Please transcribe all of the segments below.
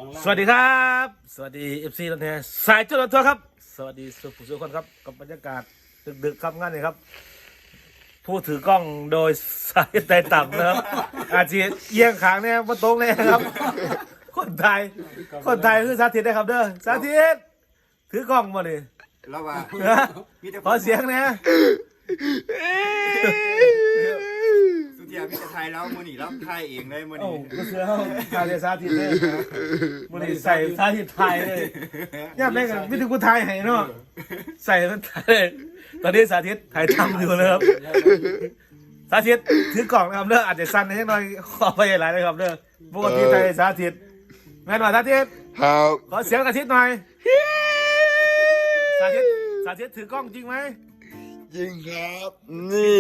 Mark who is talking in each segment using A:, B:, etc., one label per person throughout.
A: สวัสดีครับสวัสดีFC รถแห่สายจุดรถทัวร์ครับสวัสดีสุขุมสุขคนครับกับบรรยากาศดึกๆครับงานนี้ครับผู้ถือกล้องโดยสายไต่ต่ำนะครับอาชีพเอียงขางเนี่ยมาตรงเลยครับคนไทยคือสาธิตนะครับเด้อสาธิตถือกล้องมาเลย
B: แล้วว่า
A: ขอเสียงนะ
B: สุดยอดพี่จะไทยแล้วมือหนีแล้วไทยเองเลยมือห
A: โอ้
B: นี
A: ก็เสือเขาการเรียนสาธิตเลยมันนี่ใส่สาธิตไทยเลยย่าแม่กันไม่ถึงกูไทยให้เนาะใส่มันไทยเลยตอนนี้สาธิตไทยทำอยู่เลยครับสาธิตถือกล่องนะครับเด้ออาจจะสั้นนิดหน่อยขอไปหลายเลยครับเด้อปกติไทยสาธิตแม่นว่าสาธิต
C: ครับ
A: ขอเสียงสาธิตหน่อยสาธิตถือกล้องจริงไหม
C: จริงครับนี่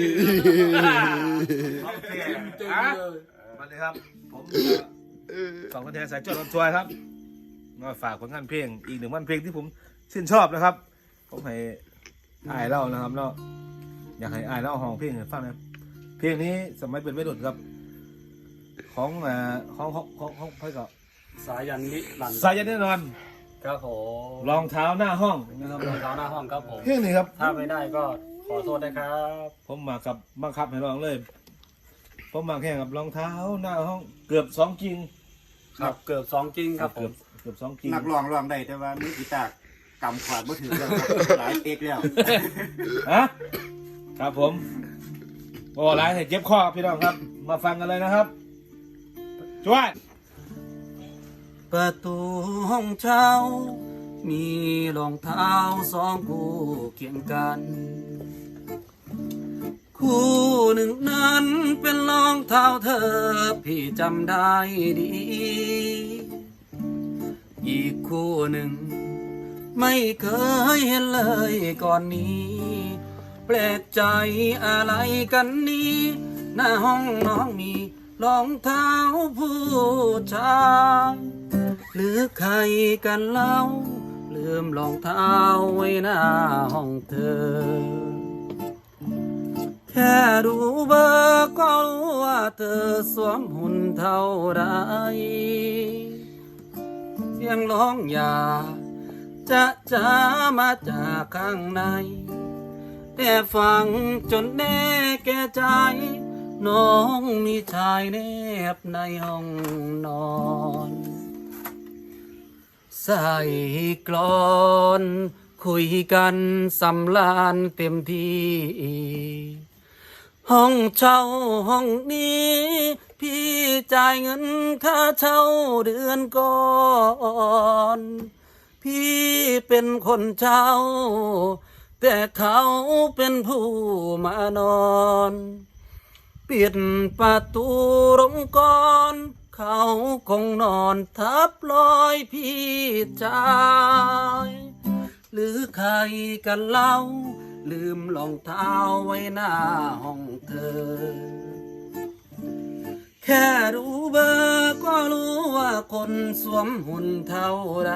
A: โอเคอ่ะมาเลยครับผมสองคนแทนสายจดรถทัวร์ครับมาฝากผลงานเพลงอีกหนึ่งวันเพลงที่ผมชื่นชอบนะครับผมให้อายเล่านะครับเนาะอยากให้อายเล่าห้องเพลงให้ฟังนะเพลงนี้สมัยเป็นวัยรุ่นครับของเพื่อนกับ
D: สายันนิรันดร์
A: สายันแน่นอน
D: ครับผม
A: รองเท้าหน้าห้องนะครับ
D: รองเท้าหน้าห้องครับผม
A: เพลงนี้ครับ
D: ถ้าไม่ได้ก็ขอโทษนะครับ
A: ผมมากับบังคับให้ร้องเลย ผมมาแข่งกับรองเท้าหน้าห้องเกือบ2 กิ่ง
D: ครับเกือบ2 กิ้งครับผม
A: เกือบ2 กิ่ง
B: นักร้องได้แต่ว่ามือกีตาร์กำขวาดมือถือแล้วหลายเอกแล้ว
A: ฮะครับผมโอ้ร้ายเจ็บคอพี่น้องครับ มาฟังกันเลยนะครับช่วย
D: ประตูห้องเช่ามีรองเท้า2 คู่เคียงกัน คู่หนึ่งนั้นเป็นรองเท้าเธอพี่จำได้ดี อีกคู่หนึ่งไม่เคยเห็นเลยก่อนนี้แปลกใจอะไรกันนี้หน้าห้องน้องมีรองเท้าผู้ชายหรือใครกันเล่าลืมรองเท้าไว้หน้าห้องเธอแค่ดูเบอร์ก็รู้ว่าเธอสวมหุ่นเท่าไรเสียงร้องอย่าจะมาจากข้างในแต่ฟังจนแน่แก่ใจน้องมีชายแนบในห้องนอนใส่กลอนคุยกันสำลานเต็มที่ห้องเช่าห้องนี้พี่จ่ายเงินค่าเช่าเดือนก่อนพี่เป็นคนเช่าแต่เขาเป็นผู้มานอนปิดประตูลงก่อนเขาคงนอนทับรอยพี่จ่ายหรือใครกันเล่าลืมรองเท้าไว้หน้าห้องเธอแค่รู้เบอร์ก็รู้ว่าคนสวมหุ่นเท่าไร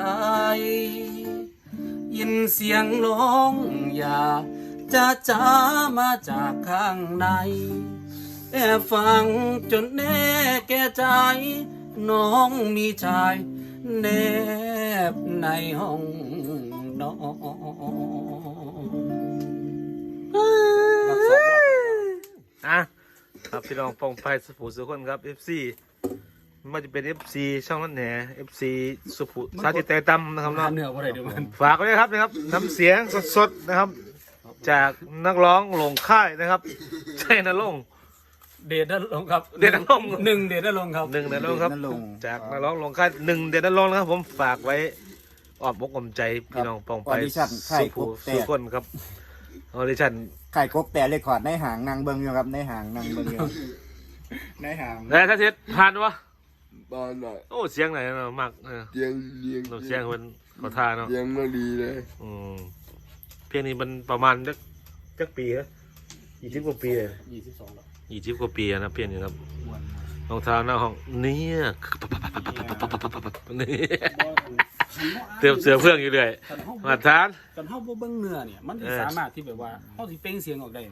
D: ยินเสียงร้องอย่าจะมาจากข้างในแต่ฟังจนแน่แก่ใจน้องมีชายแนบในห้องนอน
A: ครับพี่น้องปองไฟสุภูสุคนครับ FC มันจะเป็น FC ช่องนั้นแหน FC สุภูสาธิตแต่ตั้มนะครับเนาะ
D: เหนือว่าไรเดี๋ยวมัน
A: ฝากไว้นะครับน้ำเสียงสดๆนะครับ จากนักร้องหลงค่ายนะครับใช่นะลง
D: เดชนั่นลงครับ
A: เดชนั่นลง
D: หนึ่งเดชนั่นลงครับ
A: 1 เดือนลงครับ
B: นั่นลง
A: จากนักร้องหลงค่าย1 เดือนลงนะครับผมฝากไว้อ้อมอกอ้อมใจพี่น้องปองไฟสุภูสุคนครับออดิชั่น
B: ไข่กกแต่เลยขอดในหางนางเบิงอยู่ครับในหางนางเบิงอยู่ในหาง
A: แล้วถ้าเสร็จผ่านวะ
C: บ้านหน่อย
A: โอ้เสียงไหนเนาะมาก
C: เสียง
A: เสียงมันขอทาเนาะ
C: เสียงมาดีเลย
A: เพลงนี้มันประมาณจักปีครับ20 กว่าปีเลย
D: 22แล้ว
A: 20 กว่าปีนะเพลงนี้ครับรองเท้าหน้าห้องเนี่ยนี่เตรียมเสือเพื่องอยู่เลยมาทาน
D: กันเฮาบ่เบิ่งเนื้อเนี่ยมันสิสามารถที่แบบว่าเฮาสิเปล่งเสียงออกได้ไหม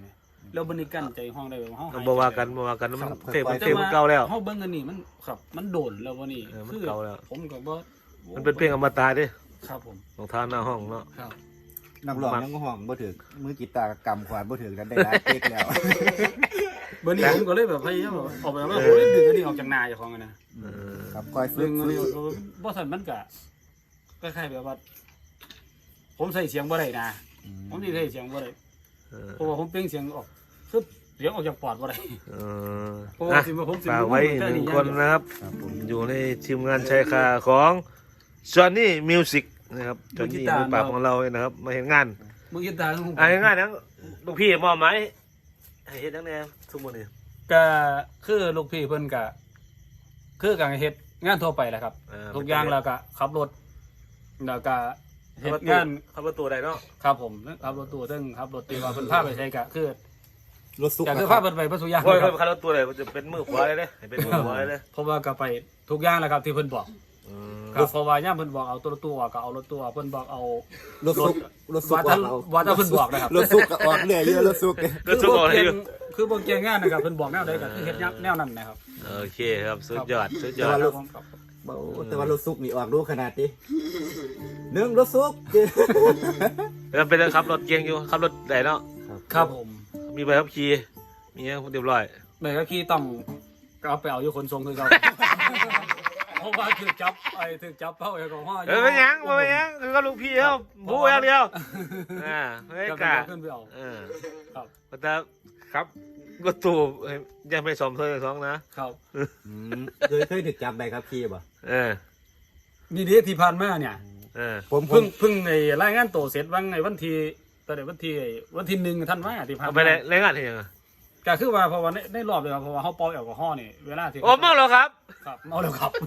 D: แล้วบันนี้กั้นใจห้องได้แบบเฮาหาย
A: บ่ว่ากันมันเพลงมันเก่าแล้ว
D: เฮาเบิ่งอันนี้มันครับมันโดนแล้ววันนี้
A: มันเก่าแล้ว
D: ผมก็บ่
A: มันเป็นเพลงอมตะเด้
D: ครับผม
A: รองเท้าหน้าห้องเนาะ
D: ครับ
B: นักร้องยังห้องบ่ถึกมือกีตาร์กำขวานบ่ถึกนั้นได้หลายเป๊กแล้ว
D: บันนี้ผมก็เลยแบบพยายามแบบออกแบบว่าผมเลยดึงอันนี้ออกจากนาเจ้าของอะนะครับ
B: คอยฝึ
D: ดึ
B: ก
D: งอันนี้บ่ทันมันก็คล้ายๆแบบว่า ผมใส่เสียงบ่ได้นะผมสิใส่เสียงบ่ได้เพราะว่าผมเปล่งเสียงออกคือเสียงออกจากปอดบ่ได้เพราะว่าสิผมสิ
A: ฝากไว้หนึ่งคนนะครับ
B: ครับผม
A: อยู่ในทีมงานชายคาของจอห์นนี่มิวสิกนะครับจอห์นนี่มือปราบของเราเนี่ยนะครับ มาเห็นงาน
D: มือกีตาร์ของผม
A: เห็นงานนั้นลูกพี่มอบหมายให้เฮ็ดทั้งแนวทุกมื้อนี้
D: ก็คือลูกพี่เพิ่นก็คือการเฮ็ดงานทั่วไปแหละครับ ทุกอย่างแล้วก็ขับรถแล้วก็เฮ็ดงาน
A: ขับประตูได้เนาะ
D: ครับผมขับรถตู้ซึ่งขับรถตีว่าเพิ่นพาไปใช้ก็คือ
B: รถสุก
D: ก็
B: นะ
D: คือ
B: ค
D: พา
B: รับ
D: เพิ่นไปบ่ทุกอย่าง
A: โอ้ย
D: ครับ
A: ขับรถตู้ได้จะเป็นมือขวาเลยเด้ให้เป็นมือขวาเลย
D: เพราะว่าก็ไปทุกอย่างแหละครับที่เพิ่นบอกครับเพราะว่าย่ามเพิ่นบอกเอาตัวรถตู้ออกก็เอารถตู้ออกเพิ่นบอกเอา
B: รถสุกรถสุก
D: ว่าถ้าว่าถ้าเพิ่นบอกนะครับ
B: รถสุกก็ออกเรื่อยเยอะรถสุก
A: ก็ทุกคนเลยอยู่
D: คือบ่เกี่ยงงานนะครับเพิ่นบอกแนวใดก็คือเฮ็ดแนวนั้นนะครับ
A: โอเคครับสุดยอดสุดย
B: แต่
A: อด
B: ว่ารถ
D: ครับ
B: แต่ว่ารถสุกนี่ออกรู้ขนาดนี้หนึ่งรถสุก
A: แล้วเป็นขับรถเก่งอยู่ขับรถได้เนาะ
D: ครับผม
A: มีใบขับขี่มีเรียบร้อย
D: ใบขับขี่ต้องเอาไปเอาอยู่ขนส่งคือเก่า เพราะว่าถูกจับถูกจับเป้าแอลกอฮอล์
A: เป็นหยังคือก็ลูกพี่เขาบู๊อย่างเดียวไม่
D: ก็
A: กล้า
D: ขึ้นไปเอา ครับ
A: แต่ครับก็ตูยังไม่สมเธอสองนะครับ
B: เคยถึกจับใบขับขี่ป่ะ
D: นี่เดีที่ผ่านมาเนี่ย
B: ผม
D: เพิ่งไอ้รายงานตัวเสร็จวันไอ้วันที่ตอนไหนวันที่1ท่านว่าที่ผ่าน
A: เอา
D: มา
A: ไปรายงานที่ยังไง
D: ก็คือว่าเพราะว่าในรอบเลยครับเพราะว่าเขาเป่าแอลกอฮอล์นี่เวลาที่
A: โอ้เมาแล้วครับ
D: ครับเมาแล้วครับ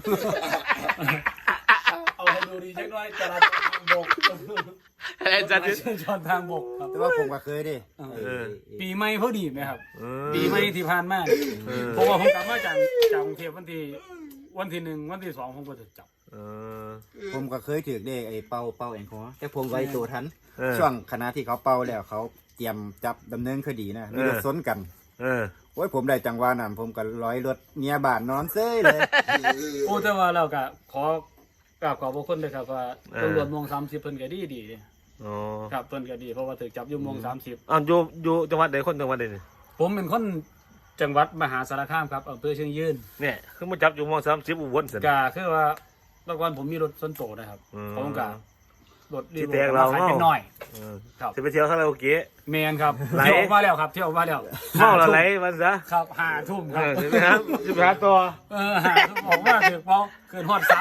D: เอาให้ดูดีจังหน่อยจราจรทางบก
A: ไอ้จัด
D: จราจรทางบกครับ
B: แต่ว่าผมก็เคยดิ
D: ปีใหม่พอดีไหมครับ ปีใหม่ที่ผ่านมาเพราะว่าผมกลับมาจากกรุงเทพวันที่1วันที่2ผมก็ถูกจับ
B: ผมก็เคยถือได้ไอ้เป่าแอลกอฮอล์แต่ผมไว้ตัวทันช่วงคณะที่เขาเป่าแล้วเขาเตรียมจับดำเนินคดีนะมีรถซ้นกันโอ้ยผมได้จังหวะนั้นผมก็ร้อยรถเมียบ้านนอนเซ้ยเลย
D: โอ้แต่ว่าเราก็ขอบพระคุณเลยครับว่าตำรวจมง30เพิ่นก็ดีครับเพิ่นก็ดีเพราะว่าถูกจับอยู่มง30
A: อ้าวอยู่จังหวัดไหนคนจังหวัดไหน
D: ผมเป็นคนจังหวัดมหาสารคามครับอำเภอเชียงยืน
A: เนี่ยคือมาจับอยู่ม.30อุบลเสร็จ
D: ก็คือว่าเมื่อก่อนผมมีรถส่วนตัวนะครับผมก็รถรี
A: ที่
D: โว
A: แตกเรา
D: ขายเป็นน้อย ครับ
A: จะไปเที่ยวคาราโอเกะ
D: แมนครับ
A: ไหล
D: เที่ยวออกมาแล้วครับเที่ยวออกมาแล้ว
A: เมาแล้วไหลมันซะ
D: ครับ5 ทุ่มครับ
A: ใช่ไหมครับจะไปหาตัว
D: 5 ทุ่มออกมาถึงพอเกินฮอด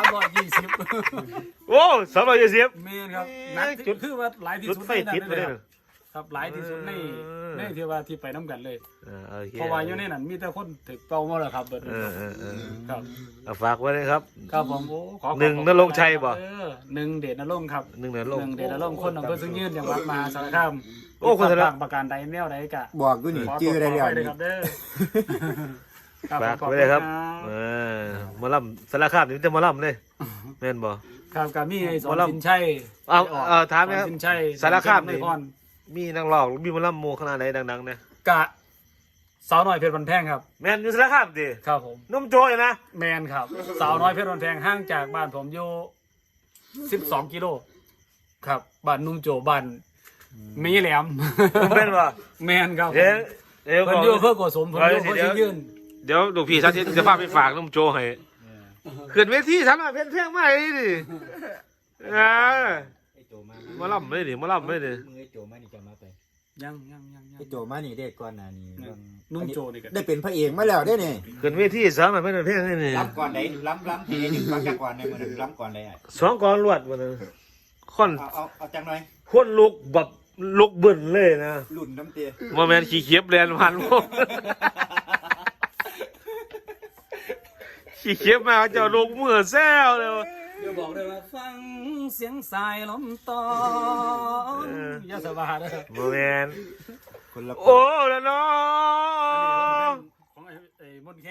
D: 320
A: โอ้220
D: แมนครับนัก
A: จุด
D: คือว่าหลายที่
A: จุด
D: สุด
A: ไฟติดไปเลย
D: ครับหลายที่สุดในที่ว่าที่ไปน้ำกันเลย
A: โอเค
D: เพราะว่าอยู่ในนั้นมีแต่คนถึกเป้าหมดแล้วครับเบิดครับ
A: ฝากไว้เลยครับ
D: ครับผมโอ้ขอ
A: หนึ่งนรงค์ชัยบ่
D: หนึ่งเดชนรงค์ครับ
A: หนึ่งเดือนลง
D: เดชนรงค์คนอำเภอซึ่งยืนจังหวัดมหาสารคาม
A: โอ้คนสาร
D: ต่างประการใดแนวใดกะ
B: บอกกูนี่จื้อได้แล้ว
D: ขอ
B: นี่
D: ครับเด้อครับ
A: ฝาก
D: ขอบ
A: ไว้
D: ณ
A: เลยครับ
D: บ
A: หมอลำสารคามนี่จะหมอลำเลยแม่นบ่
D: ครับกับมีไอ้สอ
A: หม
D: น
A: อลำ
D: สินชัย
A: เอาถามนะครับ
D: สอนสินชัย
A: สารคาม
D: ใน
A: นี่
D: พร
A: มีนักร้องมีหมอลำโมขนาดไหนดังๆเนี่ย
D: กะสาวน้อยเพชรบันแพงครับ
A: แม่นอยู่สารคามดิ
D: ครับผม
A: นุ่มโจยนะ
D: แมนครับ สาวน้อยเพชรบันแพงห่างจากบ้านผมอยู่12 กิโลครับบ้านนุ่งโจบ้านมีแหลม
A: แม่นบ่
D: แมนครับ
A: เดี๋ยว
D: เพิ่นอยู่เพื่อโกสมเพิ่นอยู่เพื่อที่ยืน
A: เดี๋ยวลูกพี่ชาติจะพาไปฝากนุ่มโจให้ขึ้นเวทีฉันน่ะเพลงใหม่ดิหมอลำเลยดิหมอลำเลยดิ
B: มึงไอ้โจมานี่จะมาไป
D: ยัง
B: ไอ้โจมานี่ได้ก่อนหน้านี้
D: นุ่มโจนี่กัน
B: ได้เป็นพระเอกมาแล้วได้นี่
A: ขึ้นเวทีสามน่ะเป็นเพลงนี่นี่
B: ล้ำก่อนไหนล้ำทีนึงฟังจากก่อนในมือหนึ่งล้ำก่อนเลยอ่ะ
A: สองกอนรวดวันนึงคน
B: เอาจังหน่อย
A: คนลุกแบบลุกบึ้นเลยนะ
B: หลุ่นน้ำเตี้ย
A: โมเมนต์ขี้เขียบแลนพันพวกขี้เขียบมาเจ้าลูกมือแซวเลย
D: เดี๋ยวบอกเลยว่าฟังเสียงสายลมตอนยาสบาเด้อ
A: โมเมนต์
B: คนละ
A: โอ้แล้วน้อง
D: ของไอ้มนแค่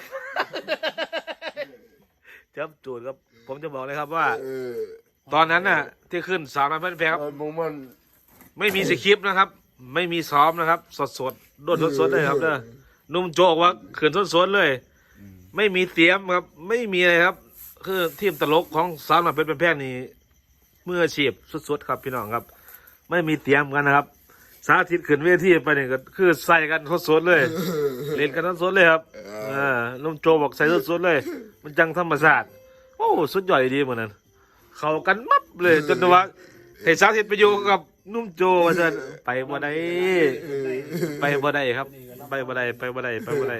A: จับจูดครับผมจะบอกเลยครับว่า ตอนนั้นน่ะที่ขึ้นสาวน้อยเพื่อนแพงครับ
C: ไอ้พวกมัน
A: ไม่มีสคริปต์นะครับไม่มีซ้อมนะครับ สดๆโดนสดๆเลยครับเด้อนุ่มโจกว่าขืนสดๆเลย ไม่มีเตรียมครับ ไม่มีอะไรครับ คือทีมตลกของสาวหน่อยเป็นแพงนี่มืออาชีพสุดๆครับพี่น้องครับ ไม่มีเตรียมกันนะครับ สาธิตขึ้นเวทีไปเนี่ยก็คือใส่กันสดๆเลย เล่นกันสดๆเลยครับนุ่มโจบอกใส่สดๆเลย มันจังธรรมศาสตร์โอ้สุดยอดดีเหมือนนั้นเข้ากันมับเลยจนว่าให้สาธิตไปอยู่กับนุ่มโจว่าจะไปบ่ได้ไปบ่ได้ครับ ไปบ่ได้ไปบ่ได้ไปบ่ได้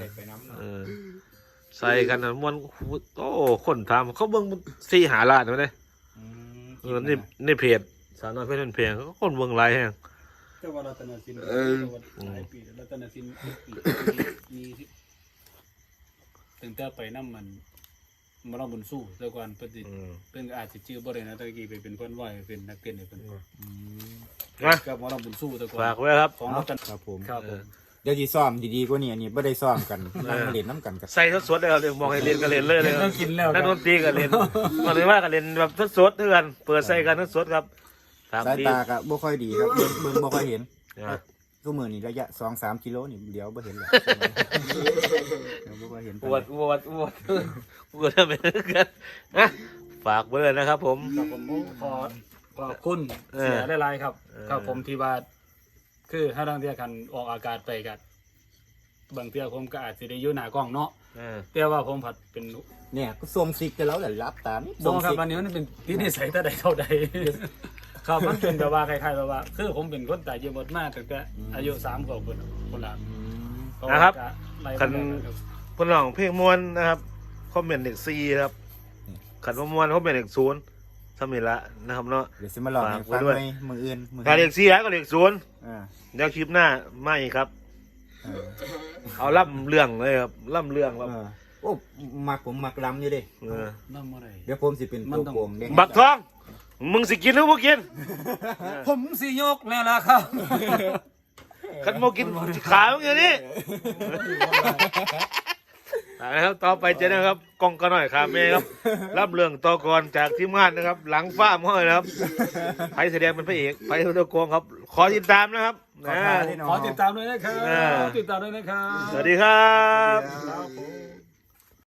A: ใส่กันนะมันโอ้คนทำเขาเบิ่ง4-5 ล้านเลยนี่เพจสาวน้อยเพชรเป็นเพลงเขาคนเบิ่งหลายแฮง
D: เจ้าว่ารัตนสินหลายปีรัตนสินมีตั้งแต่ไปน้ำมันมาลองบนสู้แต่ก่อนเพิ่นอาจจะชื่อบ่ได้นะตะกี้ไปเป็นเพิ่นไหวเป็นนักเต้นเพิ่นกับมาลองบนสู้แต่ก่อน
A: ฝากไว้ครับ
D: ของรัตน
B: ครับผม
D: ครับผม
B: เดี๋ยวสิซ้อมดีๆกว่านี้อันนี้บ่ได้ซ้อมกันนั่งเล่นน้ำกันกับ
A: ใส่สดๆเลยครับมองให้เล่นก็เล่นเลยเลย
D: ต้องกินแล้ว
A: นักดนตรีก็เล่นมาเลยว่าก็เล่นแบบสดๆเถื่อนเปิดใส่กันสดๆครับ
B: สาย
A: ดี
B: ตาก็บ่ค่อยดีครับเบิ่งบ่ค่อยเห็น
A: อ่ะ
B: ทุกมื้อนี้ระยะ 2-3 กิโลนี่เดี๋ยวบ่เห็นแล้วเดี๋ยวบ่ค่อยเห็น
A: ปวดทำไมกันนะฝากไว้เลยนะครับผม
D: ครับผมขอบคุณเสียหลายๆครับครับผมที่ว่าคือถ้าทางเที่ยกันออกอากาศไปกันบางเที่ยผมก็อาจจะได้อยู่หน้ากล้องเนาะแต่ว่าผมผัดเป็น
B: เนี่ยก็ส่งซิกกันแล้วแหละรับตามนี่
D: บ
B: ส่
D: อง ครับ
B: ซิก
D: วันนี้มันเป็นที่นิสัยแต่ใดเท่าใดครับมันเป็นแบบว่าคล้ายๆแบบว่าคือผมเป็นคนตายเยอะมากตั้งแต่อายุ3 ขวบคนละ
A: นะครับ
D: คั
A: คันคนร้องเพลงมวนนะครับคอมเมนต์เด็ก4ครับขันว่ามวนคอมเมนต์เด็ก0ทำนี่ละนะครับเนาะ
B: เดี๋ยวสิมาลองให้ฟังไหมมื้ออื่น
A: ถ้าเด็ก4ก็เด็ก0
B: อ่า
A: เดี๋ยวคลิปหน้าไม่ครับ เอาล่ำเรื่องเลยครับล่ำเรื่องครับ
B: โอ้ผมมักล้ำอยู่เดิ
D: น้ำอะไร
B: เดี๋ยวผมสิเป็นตัวโกงเด้
A: บักทอง มึงสิกินหรือบ่กิน
D: ผมสิยกแล้วล่ะครับ
A: คันบ่กินขามึงอย่างนี้นะครับต่อไปเจอนะครับกองกันหน่อยครับเมย์ครับรับเรื่องต่อกรจากทีมงานนะครับ หลังฟ้าห้อยนะครับไผแสดงเป็นพระเอกไผตัวโกงครับ ขอติดตามนะครับนะ
D: ขอติดตามด้วยนะครับขอติดตามด้วยนะครับ
A: สวัสดีครับ
D: ครับผม